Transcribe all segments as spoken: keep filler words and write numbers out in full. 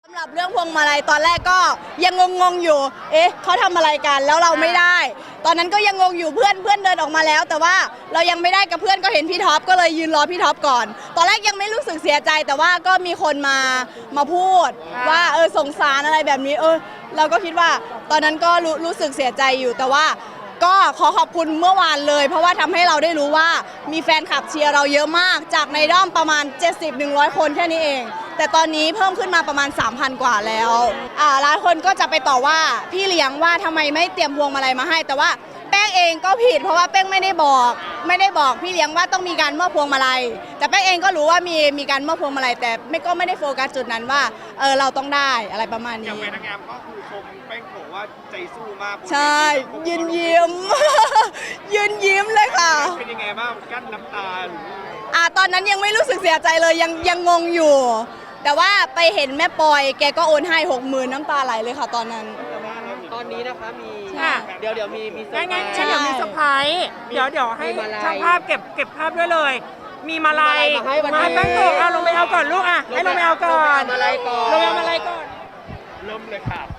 สำหรับเรื่องพวงมาลัยตอนแรกก็ยังงงๆอยู่ เอ๊ะเขาทำอะไรกันแล้วเราไม่ได้ ตอนนั้นก็ยังงงอยู่เพื่อนเพื่อนเดินออกมาแล้ว แต่ว่าเรายังไม่ได้กับเพื่อนก็เห็นพี่ท็อปก็เลยยืนรอพี่ท็อปก่อน ตอนแรกยังไม่รู้สึกเสียใจ แต่ว่าก็มีคนมามาพูดว่าเออสงสารอะไรแบบนี้เออเราก็คิดว่าตอนนั้นก็รู้รู้สึกเสียใจอยู่แต่ว่าก็ขอขอบคุณเมื่อวานเลย เพราะว่าทำให้เราได้รู้ว่ามีแฟนคลับเชียร์เราเยอะมากจากในด้อมประมาณ เจ็ดสิบถึงหนึ่งร้อย คนแค่นี้เอง แต่ตอนนี้เพิ่มขึ้นมาประมาณ สามพัน กว่าแล้วอ่าหลายคนก็จะไปต่อว่าพี่เลี้ยงว่าทำไมไม่เตรียมพวงมาลัยมาให้ แต่ว่าแป้งเองก็ผิดเพราะว่าแป้งไม่ได้บอกไม่ได้บอกพี่เลี้ยงว่าต้องมีการมอบพวงมาลัยแต่แป้งเองก็รู้ว่ามีมีการมอบพวงมาลัยแต่ไม่ก็ไม่ได้โฟกัสจุดนั้นว่าเออเราต้องได้อะไรประมาณนี้อย่างเป็นนางงามก็คือชมแป้งบอกว่าใจสู้มากใช่ยืนยิ้ม ยืนยิ้มเลยค่ะเป็นยังไงบ้างกั้นน้ำตาอ่าตอนนั้นยังไม่รู้สึกเสียใจเลยยังยังงงอยู่ แต่ว่าไปเห็นแม่ปอยแกก็โอนให้หกหมื่นน้ำตาไหลเลยค่ะตอนนั้นตอนนี้นะคะมีค่ะเดี๋ยวเดี๋ยวมีมีเซองั้นร์ไพรงั้นส์เดี๋ยวมีเซอร์ไพรส์เดี๋ยวเดี๋ยวให้มีมาลัยช่างภาพเก็บเก็บภาพด้วยเลย มีมาลัยมาให้วันนี้มาแป้งโกะเอาลงไปเอาก่อนลูกอ่ะให้ลงไปเอาก่อนลงไปเอามาลัยก่อนลงไปเอามาลัยก่อนเริ่มเลยค่ะ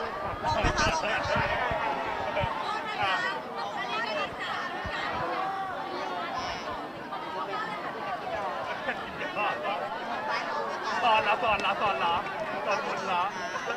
สอนแล้วสอนแล้วสอนแล้วสอนหมดแล้ว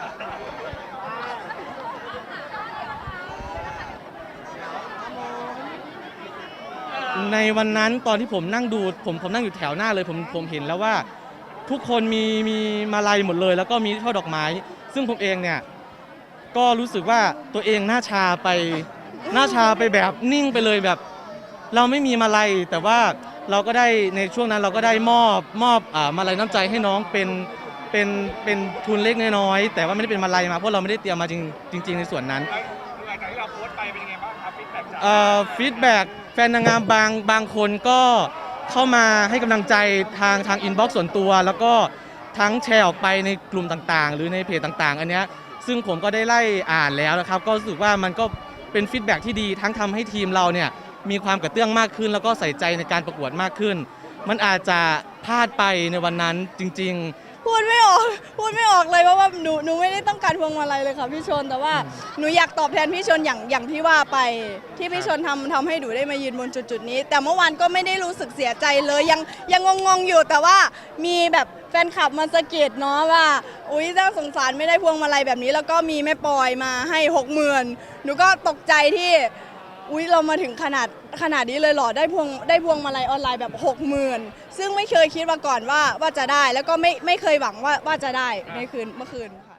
ในวันนั้นตอนที่ผมนั่งดูผมผมนั่งอยู่แถวหน้าเลยผมผมเห็นแล้วว่าทุกคนมีมีมาลัยหมดเลยแล้วก็มีช่อดอกไม้ซึ่งผมเองเนี่ยก็รู้สึกว่าตัวเองหน้าชาไปหน้าชาไปแบบนิ่งไปเลยแบบเราไม่มีมาลัยแต่ว่าเราก็ได้ในช่วงนั้นเราก็ได้มอบมอบอ่ามาลัยน้ำใจให้น้องเป็นเป็นเป็นทุนเล็กน้อยๆแต่ว่าไม่ได้เป็นมาลัยมาเพราะเราไม่ได้เตรียมมาจริงจริงๆในส่วนนั้นหลังจากที่เราโพสต์ไปเป็นยังไงบ้างครับฟีดแบ็กจากเอ่อฟีดแบ็กแฟนนางงามบางบางคนก็เข้ามาให้กำลังใจทางทางอินบ็อกซ์ส่วนตัว แล้วก็ทั้งแชร์ออกไปในกลุ่มต่างๆ หรือในเพจต่างๆ อันเนี้ยซึ่งผมก็ได้ไล่อ่านแล้วนะครับก็รู้สึกว่ามันก็เป็นฟีดแบ็กที่ดีทั้งทำให้ทีมเราเนี่ยมีความกระเตื้องมากขึ้น แล้วก็ใส่ใจในการประกวดมากขึ้น มันอาจจะพลาดไปในวันนั้นจริงๆพูดไม่ออกพูดไม่ออกเลยเพราะว่าหนูหนูไม่ได้ต้องการพวงมาลัยเลยค่ะพี่ชนแต่ว่าหนูอยากตอบแทนพี่ชนอย่างอย่างที่ว่าไปที่พี่ชนทำทำให้หนูได้มายืนบนจุดๆนี้ แต่เมื่อวานก็ไม่ได้รู้สึกเสียใจเลยยังยังงงๆอยู่แต่ว่ามีแบบแฟนคลับมาสะกิดเนาะว่าอุ้ยน่าสงสารไม่ได้พวงมาลัยแบบนี้แล้วก็มีแม่ปอยมาให้หกหมื่นหนูก็ตกใจที่อุ้ยเรามาถึงขนาดขนาดนี้เลยเหรอได้พวงได้พวงมาลัยออนไลน์แบบหกหมื่นซึ่งไม่เคยคิดมาก่อนว่าว่าจะได้แล้วก็ไม่ไม่เคยหวังว่าว่าจะได้ในคืนเมื่อคืนค่ะ